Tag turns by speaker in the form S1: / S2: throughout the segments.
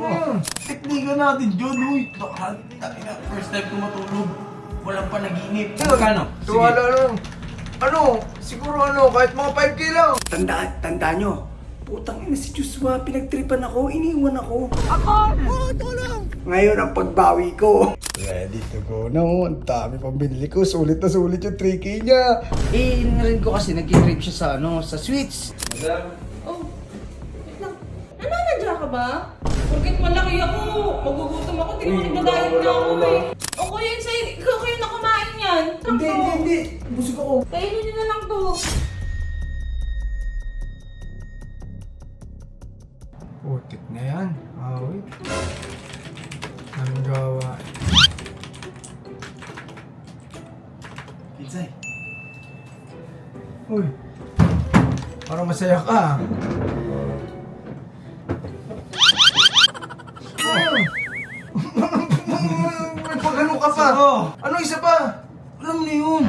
S1: yun?
S2: Teknika natin, John. Uy, first time ko matulog. Walang panaginip.
S1: Yun.
S2: Magkano?
S1: Tuwala lang. Siguro kahit mga 5K lang.
S3: Tanda nyo. Putang ina si Joshua, pinagtripan ako, iniwan ako. Ito lang. Ngayon ang pagbawi ko.
S1: Ready to go na oh. Ang dami pang binili ko. Sulit na sulit yung 3K niya.
S3: Narinig ko kasi nag-trip siya sa sweets.
S4: Oh, wait lang. Nananadya ka ba? Porket malaki ako, magugutom ako, di naman nagdadayat na ako eh. O kuya, ikaw kayo na kumain yan.
S1: Hindi. Busog ako.
S4: Kainin nyo na lang to.
S1: Putik na yan. Wait. Anong gawa?
S2: Pinsay.
S1: Uy. Parang masaya ka. May pagano ka pa.
S2: Oo.
S1: Ano isa pa?
S2: Alam mo na yun.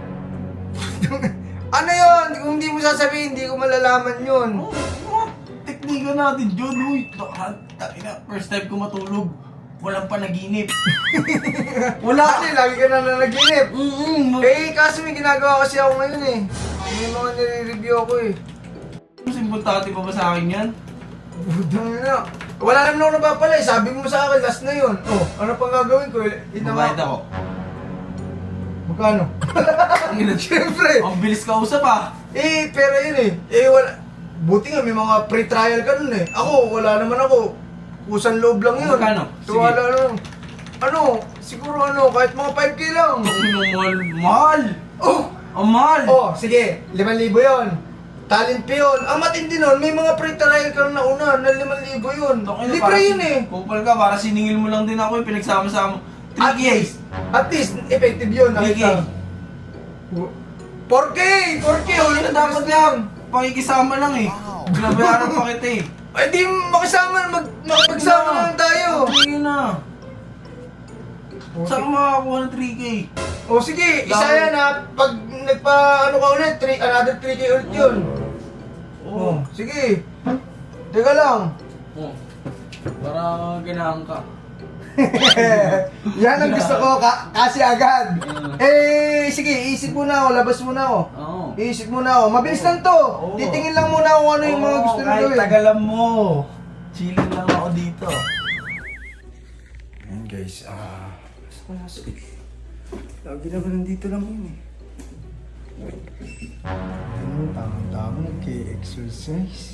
S1: Ano yun? Kung hindi mo sasabihin, hindi ko malalaman yun.
S2: Teknika natin, John. Uy, first time ko matulog. Walang panaginip.
S1: Wala ka lagi ka na nanaginip. Kaso may ginagawa kasi ako ngayon eh. May mga nire-review ako eh.
S2: Importante pa ba sa akin yan?
S1: Budang na. Wala naman ako napapala eh. Sabi mo sa akin, last na yun. Oh, ano pang gagawin ko?
S2: Mabayad ako.
S1: Magkano? Siyempre.
S2: Ang bilis ka usap ah.
S1: Pera yun eh. Wala. Buti nga may mga pre-trial ka nun eh. Ako, wala naman ako. Kusang loob lang yun.
S2: Magkano?
S1: Tuwala lang. Siguro kahit mga 5K lang.
S2: Mahal!
S1: Oh!
S2: Ang mahal!
S1: Sige, 5,000 yun. Talent pa yun. Ang matindi nun, may mga pre-trial ka na una na 5,000 yun. Libre yun eh.
S2: Kupal ka, para siningil mo lang din ako yung pinagsama-sama. 3K!
S1: At least, effective yun.
S2: 3K!
S1: 4K! 4K! Ulit na dapat lang.
S2: Pakikisama lang eh. Binabayaran pa kita eh.
S1: Ay di makisama, makipagsama na lang tayo.
S2: Sige na. Saan ka makakakuha ng 3K?
S1: Sige, isa yan ha. Pag ka ulit, another 3K ulit yun. Sige. Teka lang.
S2: Para ganahan ka.
S1: Yan ang gusto ko, kasi agad. Sige, isip muna ako, labas muna ako.
S2: Oo.
S1: Isip muna ako. Mabilis lang to. Titingin lang muna ako ano yung mga gusto nyo
S2: kahit
S1: gawin.
S2: tagalan mo. Chilling lang ako dito.
S1: Ayan guys, lagi naman nandito lang yun eh. Tama-tama, nag-exercise.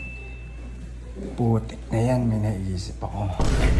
S1: Putik na yan, may naisip ako.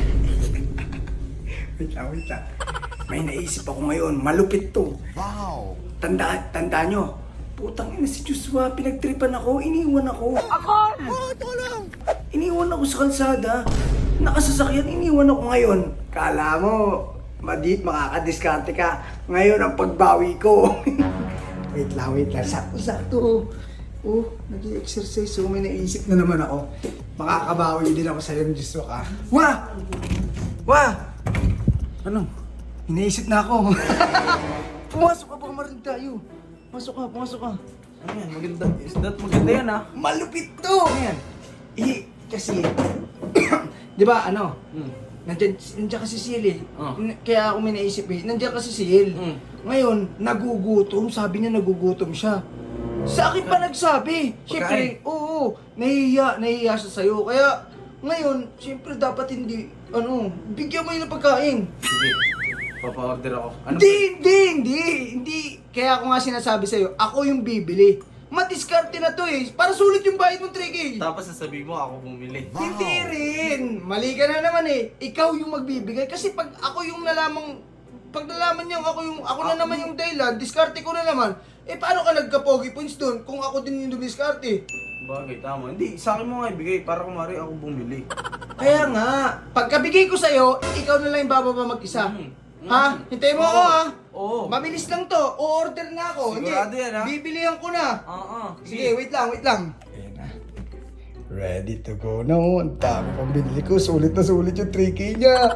S1: wait lang.
S3: May naisip ako ngayon, malupit to. Wow! Tanda nyo. Putang ina si Joshua, pinagtripan ako, iniwan ako. Ito lang. Iniwan ako sa kalsada. Nakasasakyan, iniwan ako ngayon. Kala mo, makakadiskarte ka. Ngayon ang pagbawi ko. wait lang. Sakto. Nag-exercise. So may naisip na naman ako. Makakabawi din ako sa'yo, Joshua ka. Wah! Ano? Inaisip na ako. Pumasok ka bang marin tayo? Pumasok ka.
S2: Ano yan? Maganda yan ah.
S3: Malupit to! Ayan. Kasi, di ba nandiyan kasi si Yel eh. Kaya ako may naisip nandiyan kasi si Yel. Ngayon, nagugutom. Sabi niya nagugutom siya. Sa akin pa nagsabi. Siyempre, nahihiya siya sa'yo. Kaya, ngayon, siyempre dapat hindi, bigyan mo yun ng pagkain.
S2: Sige. Papa-order ako.
S3: Hindi. Kaya ako nga sinasabi sa'yo, ako yung bibili. Madiskarte na to eh. Para sulit yung bayad mong 3K.
S2: Tapos sasabihin mo ako bumili.
S3: Hindi rin. Mali ka na naman eh. Ikaw yung magbibigay. Kasi pag ako yung nalaman niya ako na naman yung dahilan, diskarte ko na naman. Paano ka nagka-pogi points dun kung ako din yung dumiskarte?
S2: Bagay, tama. Hindi, sa akin mo nga ibigay para kumari ako bumili.
S3: Kaya nga, pagkabigay ko sa'yo, ikaw na lang yung bababa mag-isa. Ha? Hintayin mo ako ha?
S2: Oo.
S3: Mabilis lang to. O-order na ako.
S2: Sigurado yan, ha?
S3: Bibilihan ko na.
S2: Oo.
S3: Sige, wait lang.
S1: Ayan na. Ready to go na oh. Ang dami pang binili ko. Sulit na sulit yung 3K niya.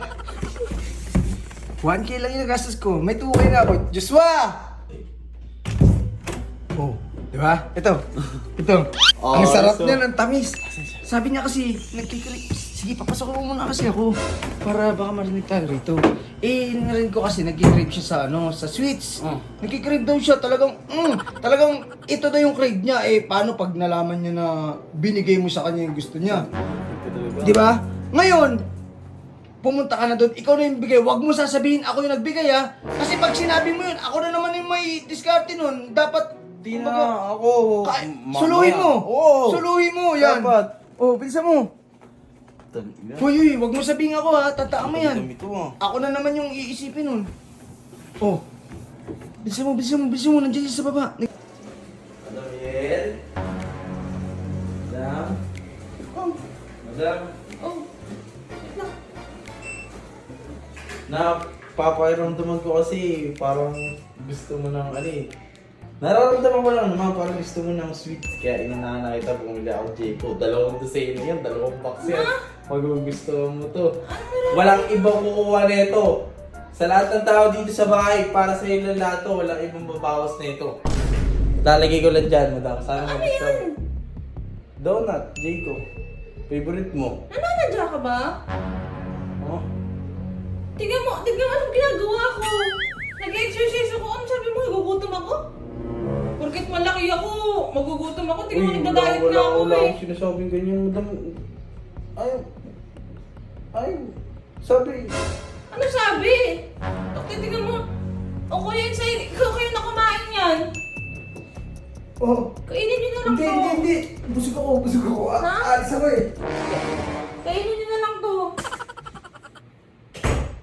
S1: 1K lang yung nagastos ko. May 2K na ako. Joshua! Di ba? Ito. Ang sarap niyan, ang tamis. Sabi niya kasi,
S3: Sige, papasok mo muna kasi ako. Para baka marinig tayo rito. Eh, narinig ko kasi nag-crave siya sa sa sweets. Nag-crave daw siya, talagang ito na yung crave niya. Eh, paano pag nalaman niya na binigay mo sa kanya yung gusto niya? Di ba? Ngayon, pumunta ka na doon, ikaw na yung bigay. Huwag mo sasabihin ako yung nagbigay ha. Kasi pag sinabi mo yun, ako na naman yung may diskarte nun. Dapat,
S2: Di na ako.
S3: suluhin mo.
S2: Oo.
S3: Suluhin mo, yan.
S2: Dapat.
S3: Oh, bilisan mo. Hoy, huwag mo sabihin ako ha. Tataan mo yan.
S2: Dami to ah.
S3: Ako na naman yung iisipin nun. Oh. Bilisan mo. Nandiyan siya sa baba.
S2: Damiel? Madam?
S4: Oh,
S2: Madam?
S4: oh. Wait lang.
S2: Napapairamdaman ko kasi parang gusto mo ng nararamdaman ko lang naman parang gusto mo ng sweet. Kaya inunahan na kita bumili ako Jayco. 2 dosena yan, 2 box yan. Magugustuhan mo to. Walang ibang kukuha nito. Sa lahat ng tao dito sa bahay, para sa iyo lang lahat to, walang ibang babawas nito. Lalagay ko lang dyan, madam. Sana
S4: Ano
S2: magustuhan
S4: yan?
S2: mo. Donut, Jayco. Favorite mo.
S4: Nananadya ka ba?
S2: Oh?
S4: Tignan mo anong ginagawa ko. Nag-exercise ako. Ano sabi mo, nagugutom ako? Porket malaki ako, magugutom ako. Tignan mo, nagda-diet na ako
S2: wala
S4: eh.
S2: akong sinasabing ganyan, madam. Sabi.
S4: Ano sabi? Okay, tignan mo. O kuya Insay, ikaw kayo na kumain yan.
S3: Oh.
S4: Kainin niyo na lang to.
S3: Hindi. Busog ako.
S4: Ha?
S3: Alis ako eh.
S4: Kainin niyo